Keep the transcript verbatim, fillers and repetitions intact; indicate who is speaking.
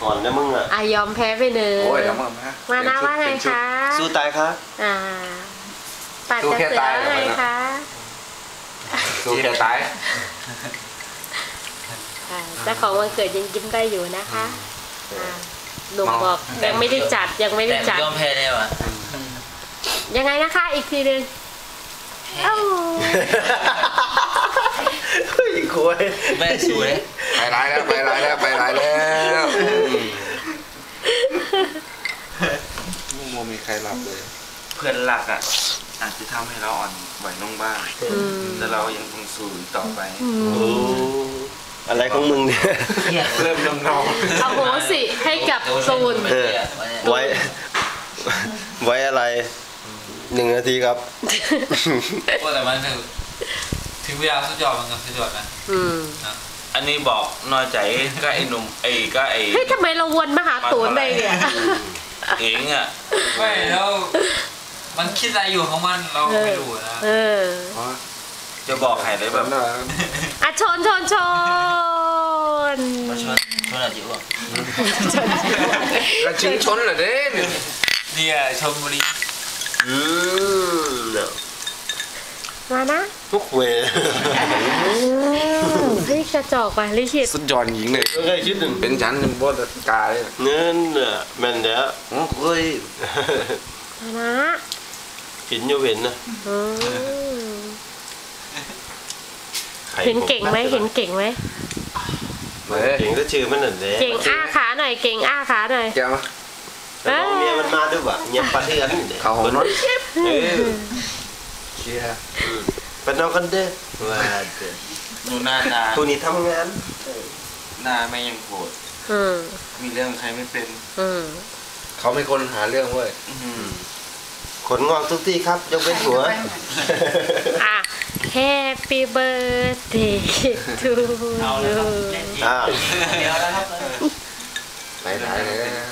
Speaker 1: อ่อนนะมึงอ่ะ
Speaker 2: อ่ะยอมแพ้ไปหนึ่งมานะว่าไงคะ
Speaker 1: สู้ตายครับ
Speaker 2: อ่าปัดจะเสือว่าไงคะ
Speaker 3: สู้แค่ตาย
Speaker 2: เจ้าของวันเกิดยังยิ้มได้อยู่นะคะหนุ่มบอกยังไม่ได้จัดยังไม่ได้จัด
Speaker 4: ยอมแพ้แล้วอ่ะ
Speaker 2: ยังไงนะคะอีกทีหนึ่งเอ้า
Speaker 1: อีกคน
Speaker 4: แม่สวย
Speaker 3: ไปร้ายแล้วไปร้ายแล้วไปร้ายแล้วไม่โมมีใครหลับเลย
Speaker 5: เพื่อนหลักอ่ะอาจจะทำให้เราอ่อนไหวลงบ้างแต่เรายังคงสู้ต่อไป
Speaker 1: อะไรของมึงเนี่ย
Speaker 3: เริ่มน้องน้อง
Speaker 2: เอาโหสิให้กับตูน
Speaker 1: ไว้ไว้อะไรหนึ่งนาทีครับ
Speaker 4: ก็แต่มันถึงเวลาสุดยอดมันก็สุดยอดนะ
Speaker 5: อันนี้บอกน้อยใจก็ไอ้หนุ่มไอ้ก็ไอ้
Speaker 2: เฮ้ยทำไมเราวนมาหาตูนได้เนี่ย
Speaker 5: เองอ่ะ
Speaker 4: ไม่แล้วมันคิดอะไรอยู่ของมันเราไม่รู้นะ
Speaker 2: เออ
Speaker 5: จะบอกใครเลยแบบ
Speaker 2: อ่ะชนชนชน
Speaker 4: มาชนชนอะไรอยู่อ่ะ
Speaker 3: กระชิงชนเหรอเด้
Speaker 4: เนี่ยชมบุรี
Speaker 1: อืม
Speaker 2: มานะ
Speaker 1: ทุกเว
Speaker 2: นี่กระจอกไปลิขิต
Speaker 3: สุดยอดหญิงเลย
Speaker 1: เคยคิดถึง
Speaker 3: เป็นฉันเป็นบอสกาเลย
Speaker 1: เงินเนี่ยแม่นเดี๋ยว
Speaker 3: เฮ้ย
Speaker 2: มานะ
Speaker 1: กินอยู่เห็นนะ
Speaker 2: เห็นเก่งไหมเห็นเก่งไหม
Speaker 1: เก่งก็ชื่อมันนั่นแหละ
Speaker 2: เก่งอ้าขาหน่อยเก่งอ้าขาหน่อย
Speaker 3: เจ้า
Speaker 1: แต่น้องเมียมันมาด้วยว่ะเงียบปะเทือน
Speaker 3: เขาของน้อง
Speaker 1: เออ
Speaker 3: เชียร์
Speaker 1: เป็นน้องกันเด้อว่าเด้อ
Speaker 5: ดูหน้าตา
Speaker 1: ผู้นี้ทำงาน
Speaker 5: หน้าไม่ยังโกรธมีเรื่องใครไม่เป็น
Speaker 3: เขาไม่คนหาเรื่องเว้ย
Speaker 1: ขนงอกทุกที่ครับยกเว้นหัว
Speaker 2: อ่ะ Happy birthday to you
Speaker 1: อ่า
Speaker 4: เดี๋ยวแล้วครับ
Speaker 3: ไหนไหนเลย